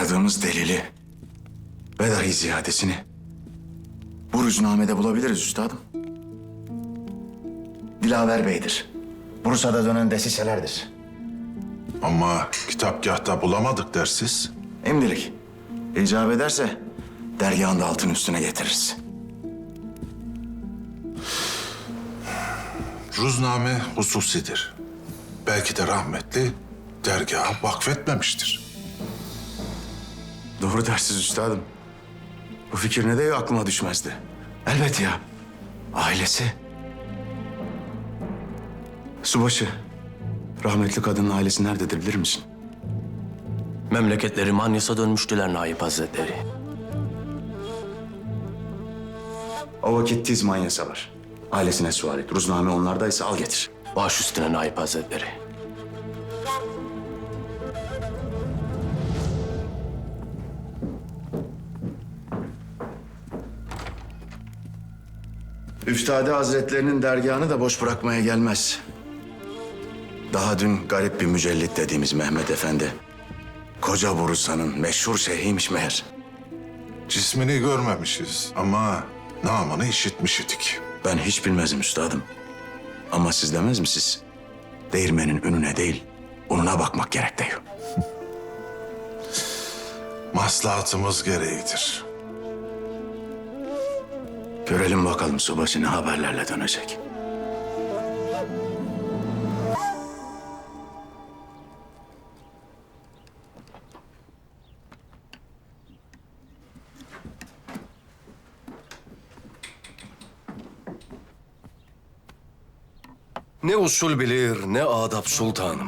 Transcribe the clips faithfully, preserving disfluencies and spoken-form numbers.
Aradığımız delili ve dahi ziyadesini bu rüznamede bulabiliriz üstadım. Dilaver Bey'dir. Bursa'da dönen desiselerdir. Ama kitapgahta bulamadık dersiz. Emdilik. İcap ederse dergahın da altın üstüne getiririz. Ruzname hususidir. Belki de rahmetli dergaha vakfetmemiştir. Doğru dersiz üstadım. Bu fikir ne de aklıma düşmezdi. Elbet ya. Ailesi. Subaşı. Rahmetli kadının ailesi nerededir bilir misin? Memleketleri Manyas'a dönmüştüler Naip Hazretleri. O vakit tiz manyasa var. Ailesine sual et. Ruzname onlardaysa al getir. Baş üstüne Naip Hazretleri. Üftade Hazretlerinin dergahını da boş bırakmaya gelmez. Daha dün garip bir mücellit dediğimiz Mehmet Efendi, koca Bursa'nın meşhur şeyhiymiş meğer. Cismini görmemişiz ama namını işitmiş idik. Ben hiç bilmezim üstadım. Ama siz demez misiniz? Değirmenin ününe değil, ununa bakmak gerek diyor. Maslahatımız gereğidir. Görelim bakalım subaşı ne haberlerle dönecek. Ne usul bilir, ne adap sultanım.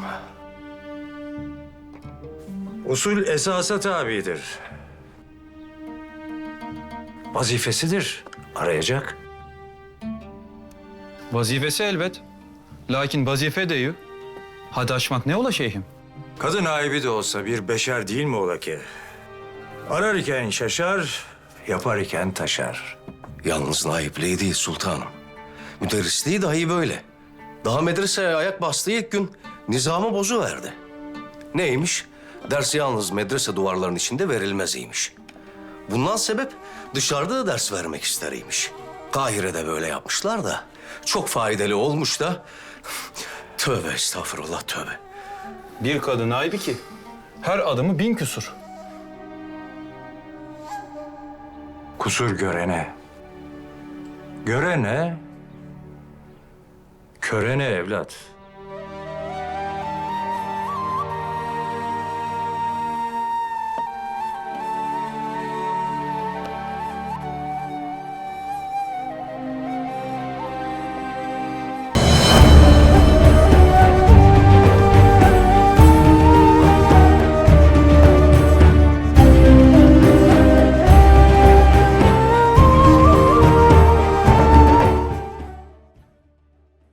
Usul esasa tabidir. Vazifesidir. Arayacak. Vazifesi elbet. Lakin vazife deyu. Hadi aşmak ne ola şeyhim? Kadın aibi de olsa bir beşer değil mi ola ki? Arar iken şaşar, yapar iken taşar. Yalnız naipliği değil sultanım. Müderrisliği dahi böyle. Daha medreseye ayak bastığı ilk gün nizamı bozuverdi. Neymiş? Ders yalnız medrese duvarlarının içinde verilmeziymiş. Bundan sebep dışarıda da ders vermek isteriymiş. Kahire'de böyle yapmışlar da çok faydalı olmuş da. Tövbe estağfurullah tövbe. Bir kadın ayıbı ki her adımı bin küsur. Kusur görene. Görene, körene evlat.